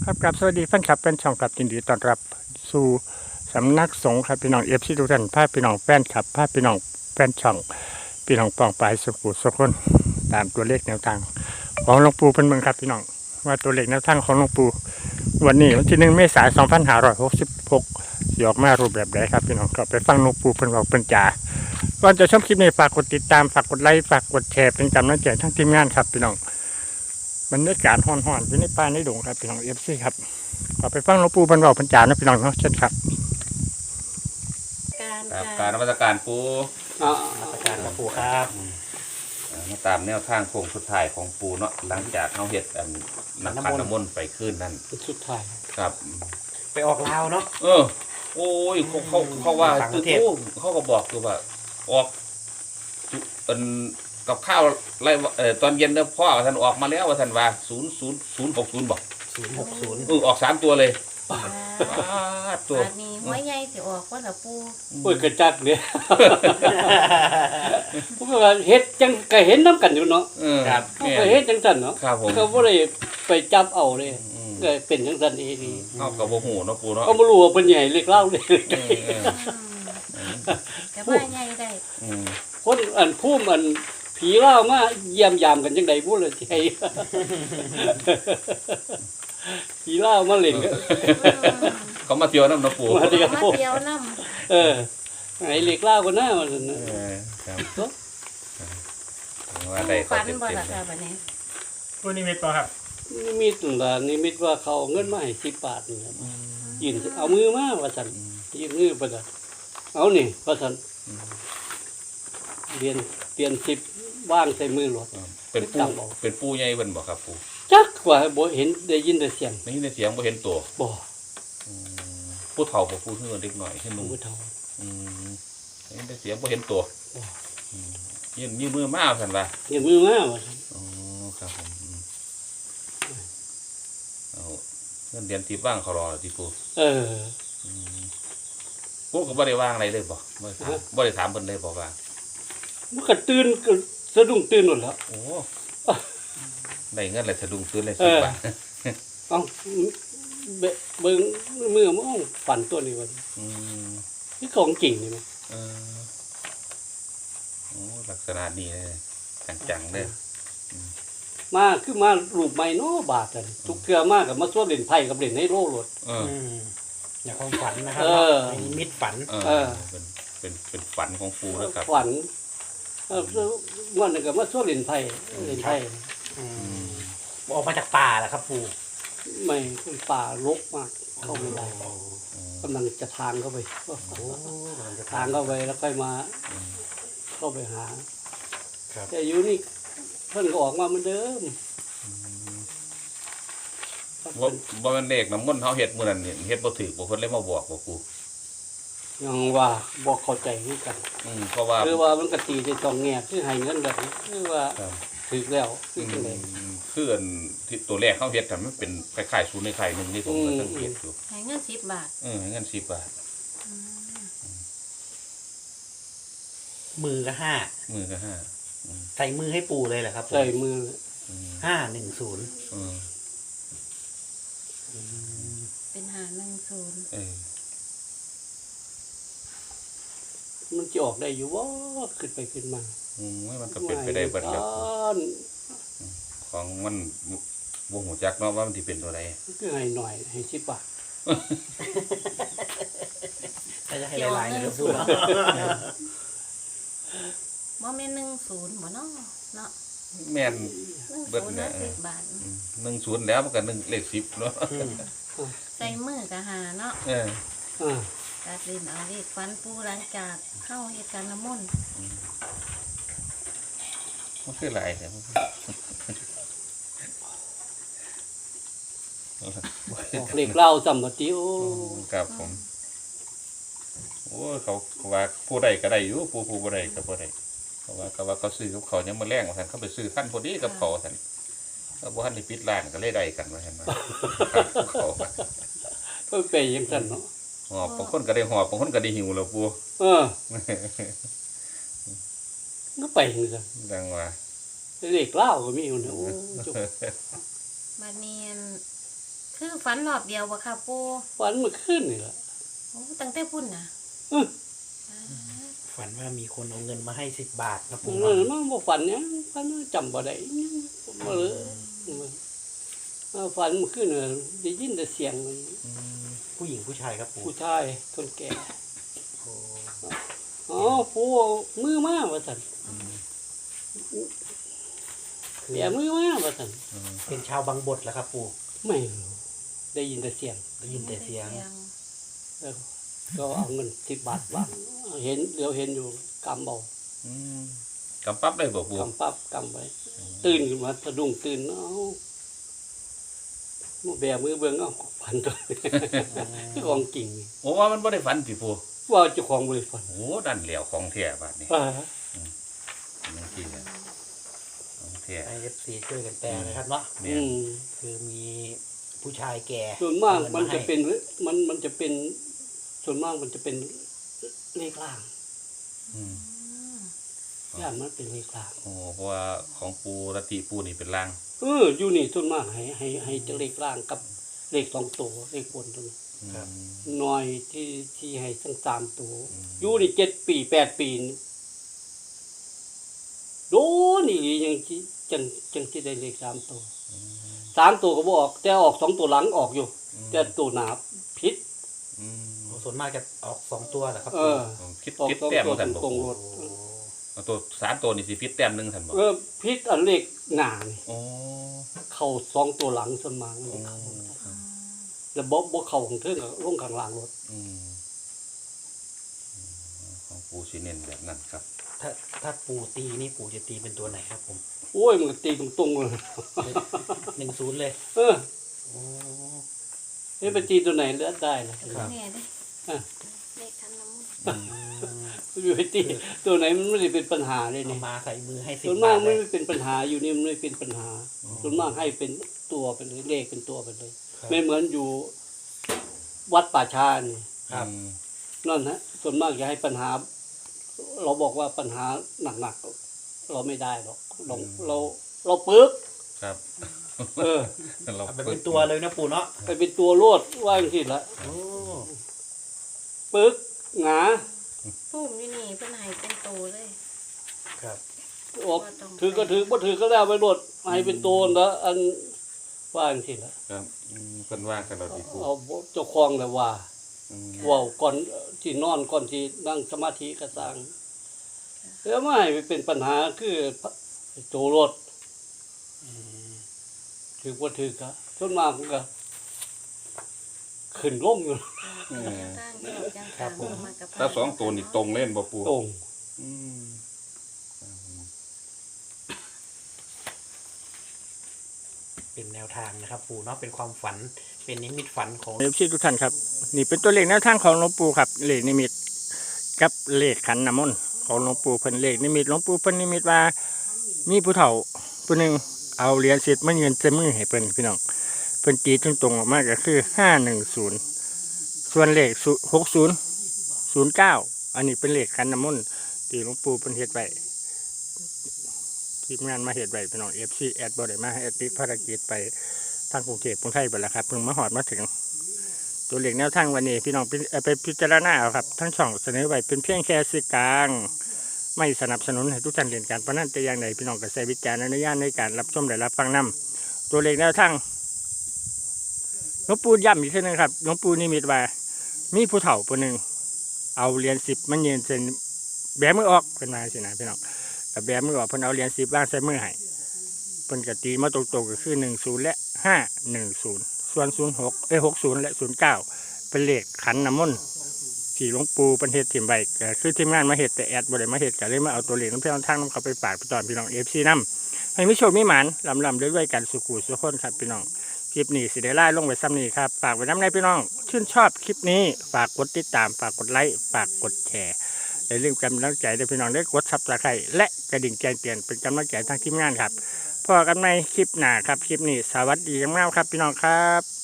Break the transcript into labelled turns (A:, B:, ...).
A: ครับกับสวัสดีแฟนคลับเป็นช่องกับยินดีต้อนรับสู่สำนักสงฆ์ครับพี่น้องเอฟซีทุกท่านพาพี่น้องแฟนคลับพาพี่น้องแฟนช่องพี่น้องปองปลายสุขุสุขคนตามตัวเลขแนวทางของหลวงปู่เพิ่นเมืองครับพี่น้องว่าตัวเลขแนวทางของหลวงปู่วันนี้วันที่1 เมษายน 2566สิออกมารูปแบบใดครับพี่น้องก็ไปฟังหลวงปู่เพิ่นบอกเพิ่นจ๋าก่อนจะชมคลิปนี้ฝากกดติดตามฝากกดไลค์ฝากกดแชร์เป็นกำลังใจทั้งทีมงานครับพี่น้องบรรยากาศฮ้อนๆอยู่ในป่าในดงครับพี่น้องเอฟซีครับขอไปฟังหลวงปู่บรรบอกบรรจานะพี่น้องเนาะเช่นครับ
B: การนมัสการปู
A: นมัสการหลวงปู่ครับ
B: มาตามแนวทางโค้งสุดท้ายของปูเนาะหลังจากเขาเฮ็ดนักขันน้ำมนต์ไปขึ้นนั่น
C: สุดท้าย
B: ครับ
C: ไปออกลาวเนาะ
B: โอ้ยเขาว่าตู้เขาก็บอกคือว่าออกเป็นกับข้าวไรตอนเย็นเนี่ยพ่อท่านออกมาแล้วว่าท่านว่า00060บอก
C: 060
B: ออก3ตัวเลย
D: ตัวนี้ไม่ใหญ่สิออกว่าละปู
C: โอ้ยกระจักเนี่ยพวกเราเฮ็ดจังก็เห็นน้ำกันอยู่เนาะ
B: ครับ
C: ก็เฮ็ดจังซั่นเนาะ
B: ครับผม
C: ก็บ่ได้ไปจับเอาเลยก็เป็นจังซั่นเองนี่
B: เฮาก็บ่ฮู้เนาะปูเนาะ
C: ก็บ่รู้ว่าเพิ่นใหญ่เล็กเล่าเลย
D: แต่ว่าใหญ่ได้
C: คนภูมิผีเล่ามาเยี่ยมยามกันจังได๋บ่ล่ะสิให้ผีเล่ามาเล่นก็
B: เขามาเที่ยวน้ำน้ำปู
D: มาเที่ยวน้
C: ำไอ้เล็กเล่าก็น่ามัน
B: ครับว่าได้
D: ฝันบ่ล่ะค่ะบัดนี้
A: ผู้นิมิตครับ
C: นิมิตนิมิตว่าเขาเงินมาให้10 บาทนี่ครับยืนเอามือมาว่าซั่นยืนมือบ่ได้เอานี่ว่าซั่นเรียน10ว่างใส่มือหลด
B: เป็นปูใหญ่เพิ่นบ่ครับปู
C: จักว่าบ่เห็นได้ยินแต่เสียง
B: ได้ยินแต่เสียงบ่เห็นตัว
C: บ่
B: ผู้เฒ่าบ่ผู้เฮือเด็กหน่อยขึ้นนุ่ม
C: ผู้เฒ่า
B: ได้ยินแต่เสียงบ่เห็นตัวยืนมือมาซั่นว่า
C: ยืนมือมาว่าซั่น
B: ครับผมเอาเงินเดือนที่ว่างเขารอที่ปูปูก็บ่ได้ว่างอะไรเลยบ่ได้ถามเพิ่นเลยบ่ว่า
C: มันก็ตื่นก็สะดุ้งตื่นหมดแล้ว
B: โอ้ได้เงินเลยสะดุ้งตื่นเลย10 บาท
C: เอ้าเบิ่งมือมันฝันตัวนี้ว่านี่ของจริงนี่มั้ย
B: โอ้ลักษณะนี้เลยจังๆเด้อ
C: มาคือมารูปใหม่เนาะบาททุกเทื่อมาก็มาสวดเล่นไพ่กับเล่นไฮโลโลด
A: อย่าความฝันนะครับนิมิตฝัน
B: เป็นฝันของปูแล้วครับ
C: ฝันวันนึงก็มาสวดเล่นไพ่
A: ออกมาจากป่าแหละครับปู่
C: ไม่เป็นป่ารกมากเข้าไม่ได้กำลังจะทางเข้าไปทางเข้าไปแล้วค่อยมาเข้าไปหาแต่อยู่นี่เพิ่นก็ออกมาเหมือนเดิม
B: บ่แม่นเลขน้ำมนต์เฮาเฮ็ดมื้อนั้นเฮ็ดบ่ถูกบ่เพิ่นเลยมาบอกบ่กู
C: ยังว่าบ่เข้าใจคือกัน
B: เพราะว่า
C: คือว่ามันก็ตีได้2แง่คือให้เงินแบบนี้คือว่าถูกแล้วคือจังได๋
B: คือที่ตัวแรกเฮาเฮ็ดกันมันเป็นคล้ายๆศูนย์ในไข่นึงนี่ผมก็สังเกตอยู่
D: ให้เงิน10 บาท
B: ให้เงิน10 บาท
A: มือก็5ใส่มือให้ปู่เลยเหรอครับ
C: ใส่มือ
A: 510
D: เป็น510
C: มันจะออกได้อยู่ว่าขึ้นไปขึ้นมา
B: มันก็เป็นไปได้เบิดแล้วของมันบ่ฮู้จักเนาะว่ามันสิเป็นตัวใด
C: คือให้หน่อยให้10 บาท
A: ถ้าจะให้หลายๆนะครับปู่
D: บ่แม่น10บ่เนาะ
B: แม่นเบิดเนี่ย
D: 10 บาท
B: 10แล้วมันก็1เลข10เนาะ
D: ใส่มือก็5เนาะตัดลิ้นเอาเลขฝันปูหลังจากเข้าเหตุการณ์น้ำมนต์
B: มันคือหลายแท้
C: เลขเล่าจำบ่ติโอ้
B: ครับผมโอ้เขาว่าผู้ใดก็ได้อยู่ผู้บ่ได้ก็บ่ได้เพราะว่าเขาซื้อกับเขายังมาแรงว่าซั่นเขาไปซื้อคันพอดีกับเขาซั่นก็บ่ทันได้ปิดร้านก็เลยได้กันว่าซั่นว่าเขา
C: ก็ไปจังซั่นเนาะ
B: หอบบางคนก็ได้หอบบางคนก็ได้หิวแล้วปู
C: ก็ไปจังซั่น
B: ดังว่า
C: เด็กเล่าก็มีอยู่นะโอ้จบ
D: บัดนี้คือฝันรอบเดียวบ่ค่ะปู
C: ฝันเมื่อคืนนี่แหละ
D: โอ้ตั้งแต่พุ่นน่ะ
C: อื้อ
E: ฝันว่ามีคนเอาเงินมาให้10 บาทนะ
C: มั
E: ปู่
C: น
E: เนาะ
C: บ่ฝันเนี่ยฝันจำบ่ได้บ่เลยฝันเมื่อคืนน่ะได้ยินแต่เสียง
E: ผู้หญิงผู้ชายครับปู่
C: ผู้ชายคนแก่
E: โอ้
C: อ๋อผู้มือมาว่าซั่น
E: คือ
C: แก่มือมาว่าซั่น
E: เป็นชาวบางบทแล้วครับปู่
C: ไม่รู้ได้ยินแต่เสียง
E: ได้ยินแต่เสียง
C: ก็เอาเงิน10 บาทวางเห็นเดี๋ยวเห็นอยู่กำเบาก
B: ำปั๊บได้บ่ปู
C: กำปั๊บกำไว้ตื่นขึ้นมาสะดุ้งตื่นเอ้ามาแบมือเบิ่งเอ้าพันตัวของจริงนี่
B: โอ้ว่ามันบ่ได้ฝันสิปู
C: ว่าเจ้าของบ่ได้ฝัน
B: โอ้ดันเหลียวของแท้บาดนี้
C: อ่า
B: นี่จริงของแท้
E: ให้ FC ช่วยกันแปลนะครับเนาะ
B: เนี่
C: อื
B: ย
C: ม
E: คือมีผู้ชายแก่
C: ส่วนมาก
E: เอ
C: มัน
E: ให้
C: จะเป็นมันจะเป็นส่วนมากมันจะเป็นเลขล่าง
B: อืม
C: ย่านมันเป็นเลขล่าง
B: โอ้เพราะว่าของปูรติปูนี่เป็นลาง
C: อยู่นี่ส่วนมากให้จะเลขล่างกับเลข2ตัวเลขบนตัวนี้
E: ครับ
C: น้อยที่ให้ทั้ง3ตัวอยู่นี่7 ปี8 ปีนี่โดนนี่ยังสิจังสิได้เลข3ตัว3ตัวก็บ่ออกแต่ออก2ตัวหลังออกอยู่ แต่ตัวหน้าผิด
B: อืม
E: โอ้ส่วนมากจะออก2 ตัวเหรอครับ
C: เอ
E: ปู่
C: อ
B: คิด
C: ออก
B: คิด
C: 2
B: แต้ม
C: ตัว
B: กันบ่
C: ตรง
B: ปู
C: ๆรถ
B: เอาตัว3ตัวนี่สิพิษแต้มหนึงท่านบ่
C: ผิดอันเลขหน้านี่
B: โอ้
C: เข้า2ตัวหลังส่วนมากมันเข้าแล้วบ่เข้าของเทิงก็ลงข้างล่างรถ
B: อืมของปูสิเน้นแบบนั้นครับ
E: ถ้าปู่ตีนี่ปู่จะตีเป็นตัวไหนครับผม
C: โอ้ยมันก็ตีตรงๆเลย
E: 10เลย
C: เออ
E: โอ้
C: เฮ้ยไปตีตัวไหนเลือกได้ล่ะ
E: ครับ
D: แม่เด้
C: อ่ะ
D: เลขคันน้ำมนต์
C: ไปตีตัวไหนมันไม่ได้เป็นปัญหาเลย
E: เอา
C: นี่
E: มาใส่มือให้
C: ส่วน
E: 10
C: มา
E: บาก ทเล
C: ไม่
E: ย
C: เป็นปัญหาอยู่นี่มันไม่เป็นปัญหาส่วนมากให้เป็นตัวเป็นเลขเป็นตัวไปเลย
E: ครับ
C: ไม่เหมือนอยู่วัดป่าชานี่
E: ครับ
B: อืม
C: นั่นฮะส่วนมากจะให้ปัญหา เราบอกว่าปัญหาหนักๆเราไม่ได้หรอกเราปึ๊ก
B: ครับ
C: เออ
B: เรา
E: เอาไปเป็นตัวเลยนะปู่เนาะ
C: ไปเป็นตัวโลดว่าอย่างที่ละ
E: โอ้
C: ปึ๊กหงา
D: พุ่มอยู่นี่เพิ่นให้เป็นโตเลย
E: ครับ
C: ออกถือก็ถือบ่ถือก็แล้วไปโลดให้เป็นตัวแล้วอันว่าอย่างที่ละ
B: ครับเพิ่นว่ากันเราสิปู
C: เอาเจ้าของแล้วว่า
B: อืม
C: เว้าก่อนที่นอนก่อนที่นั่งสมาธิก็สร้างแล้วไม่ให้เป็นปัญหาคือตัวรถ
E: อืม
C: ถือบ่ถือก็ส่วนมากมันก็ขึ้นลงอยู่
D: ตั้งที่เราจังตามมากับ
B: ถ้า2ตัวนี่ตรงเล่นบ่ปู
C: ตรง
B: อืม
E: เป็นแนวทางนะครับปู่เนาะเป็นความฝันเป็นนิมิตฝันของ
A: เอฟซีทุกท่านครับนี่เป็นตัวเลขแนวทางของหลวงปู่ครับเลขนิมิตกับเลขขันน้ำมนต์ของหลวงปู่เพิ่นเลขนิมิตหลวงปู่เพิ่นนิมิตว่ามีผู้เฒ่าผู้หนึ่งเอาเหรียญ10มายืนเต็มมือให้เพิ่นพี่น้องเพิ่นตีตรงๆออกมาก็คือ510ส่วนเลข6009อันนี้เป็นเลขขันน้ำมนต์ที่หลวงปู่เพิ่นเฮ็ดไว้ทีมงานมาเฮ็ดไว้พี่น้อง FC แอดบ่ได้มาให้แอดติดภารกิจไปทางกรุงเทพกรุงไทยไปแล้วครับเพิ่งมาฮอดมาถึง ตัวเลขแนวทางวันนี้พี่น้องไปพิจารณาเอาครับทั้งช่องเสนอไว้เป็นเพียงแค่สื่อกลางไม่สนับสนุนให้ทุกท่านเล่นการพนันแต่อย่างใดพี่น้องก็ใช้วิจารณญาณในการรับชมและรับฟังนำตัวเลขแนวทางหลวงปู่ย้ำอีกทีนึงครับหลวงปู่นิมิตว่ามีผู้เฒ่าผู้หนึ่งเอาเหรียญ10มันยืนเส้นแบมือออกเป็นมาสินะพี่น้องกับแบมือออกเพิ่นเอาเหรียญ10วางใส่มือให้เพิ่นก็ตีมาตรงๆก็คือ10และ510ส่วน60และ09เป็นเลขขันน้ำมนต์ที่หลวงปู่เป็นเฮ็ดทีมใบก็คือทีมงานมาเฮ็ดแต่แอดบ่ได้มาเฮ็ดก็เลยมาเอาตัวเลขน้ำเพื่อนทางน้ำเขาไปฝากไปตอนพี่น้อง FC นำให้มีโชคมีหมานลำด้วยกันสุขุสุขคนครับพี่น้องคลิปนี้สิได้ไล่ลงไว้ซ้ำนี้ครับฝากไว้น้ำในพี่น้องชื่นชอบคลิปนี้ฝากกดติดตามฝากกดไลค์ฝากกดแชร์อย่าลืมกำลังใจด้วยพี่น้องได้กดซับสไครต์และกระดิ่งแจ้งเตือนเป็นกำลังใจทางทีมงานครับพอกันในคลิปหน้าครับคลิปนี้สวัสดีครับพี่น้องครับ